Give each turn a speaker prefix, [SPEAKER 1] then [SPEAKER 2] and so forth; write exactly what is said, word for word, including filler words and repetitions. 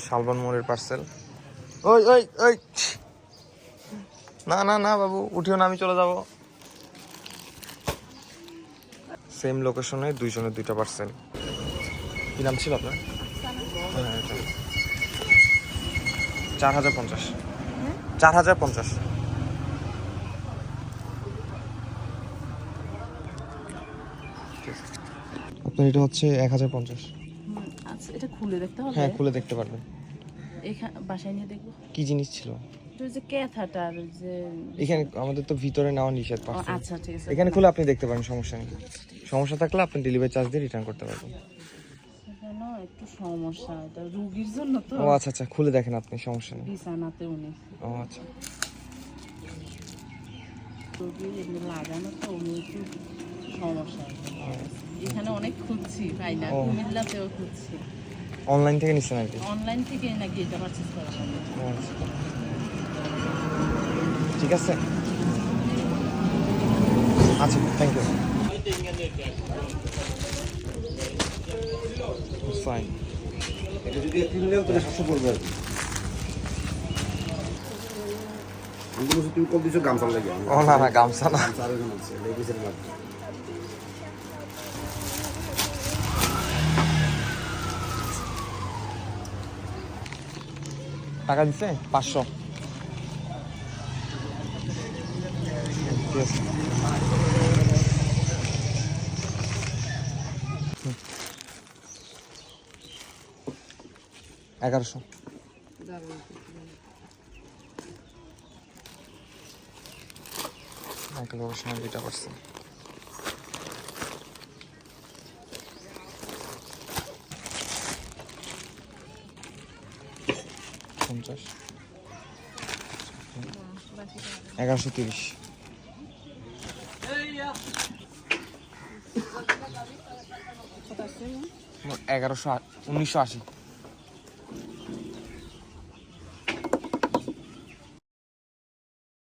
[SPEAKER 1] শালবন মোড়ের পার্সেল। ওই ওই ওই না না না বাবু উঠিও না, আমি চলে যাব। সেম লোকেশনে দুইজনের দুইটা পার্সেল। কি নাম ছিল আপনার? চার হাজার পঞ্চাশ চার হাজার পঞ্চাশ আপনার এটা হচ্ছে এক হাজার পঞ্চাশ।
[SPEAKER 2] আচ্ছা, এটা খুলে দেখতে হবে?
[SPEAKER 1] হ্যাঁ, খুলে দেখতে পারবেন।
[SPEAKER 2] এখানে বাসায় নিয়ে দেখবো
[SPEAKER 1] কি জিনিস ছিল
[SPEAKER 2] ওই যে ক্যাথাটা, আর ওই যে
[SPEAKER 1] এখানে? আমাদের তো ভিতরে নেওয়া নিষেধ।
[SPEAKER 2] ও, আচ্ছা ঠিক আছে,
[SPEAKER 1] এখানে খুলে আপনি দেখতে পারেন, সমস্যা নেই। সমস্যা থাকলে আপনি ডেলিভারি চার্জ দিয়ে রিটার্ন করতে পারবেন।
[SPEAKER 2] সেখানে একটু সমস্যা, এটা রোগীর জন্য তো।
[SPEAKER 1] ও আচ্ছা আচ্ছা, খুলে দেখেন আপনি, সমস্যা নেই।
[SPEAKER 2] বিছানাতে উনি
[SPEAKER 1] ও আচ্ছা,
[SPEAKER 2] রোগী এমনি লাগানো তো, উনি একটু সমস্যা। এখানে অনেক খুঁজছি, পাই না। কুমিল্লাতেও খুঁজছি।
[SPEAKER 1] অনলাইন থেকে নিচ্ছেন আর কি?
[SPEAKER 2] অনলাইন থেকে নাকি এটা পারচেজ করা হবে।
[SPEAKER 1] ও আচ্ছা, ঠিক আছে, আচ্ছা, থ্যাংক ইউ। ফাইন।
[SPEAKER 3] এটা যদি তিন নেও তাহলে সাতশো পড়বে আর কি। আমি বলছি তুমি কল দিছো গামছা লাগে।
[SPEAKER 1] ও না না, গামছা না।
[SPEAKER 3] গামছা আরো জন আছে, লেগিসের লাগবে।
[SPEAKER 1] টাকা দিচ্ছে পাঁচশো। ঠিক আছে, এগারোশো। এক লোকের সময় দুইটা পার্সেল। পঞ্চাশ, এগারোশো তিরিশ। এগারোশো উনিশশো আশি।